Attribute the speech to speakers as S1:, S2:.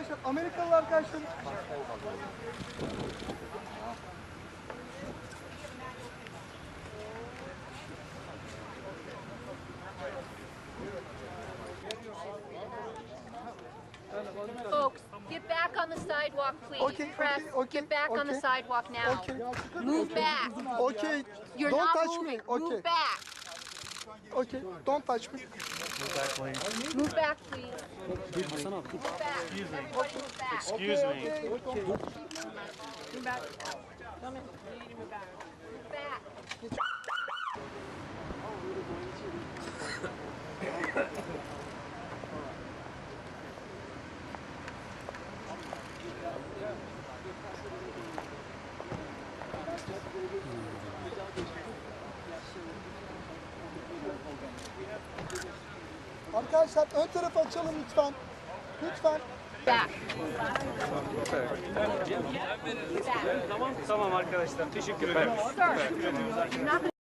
S1: arkadaşlar. Amerikalı arkadaşlar.
S2: Folks, get back on the sidewalk, please.
S1: Okay,
S2: Press,
S1: okay,
S2: get back on the
S1: okay.
S2: sidewalk now.
S1: Okay.
S2: Move back.
S1: Okay.
S2: You're
S1: Don't
S2: not
S1: touch
S2: moving.
S1: me. Okay.
S2: Move back.
S1: Okay. Don't touch me.
S2: Move back, please. Move back. Everybody move back.
S3: Excuse me.
S2: Move back. Move back.
S1: Arkadaşlar ön tarafı açalım lütfen. Lütfen.
S2: Back.
S3: Tamam arkadaşlar. Teşekkür ederim.
S2: Sir, you're not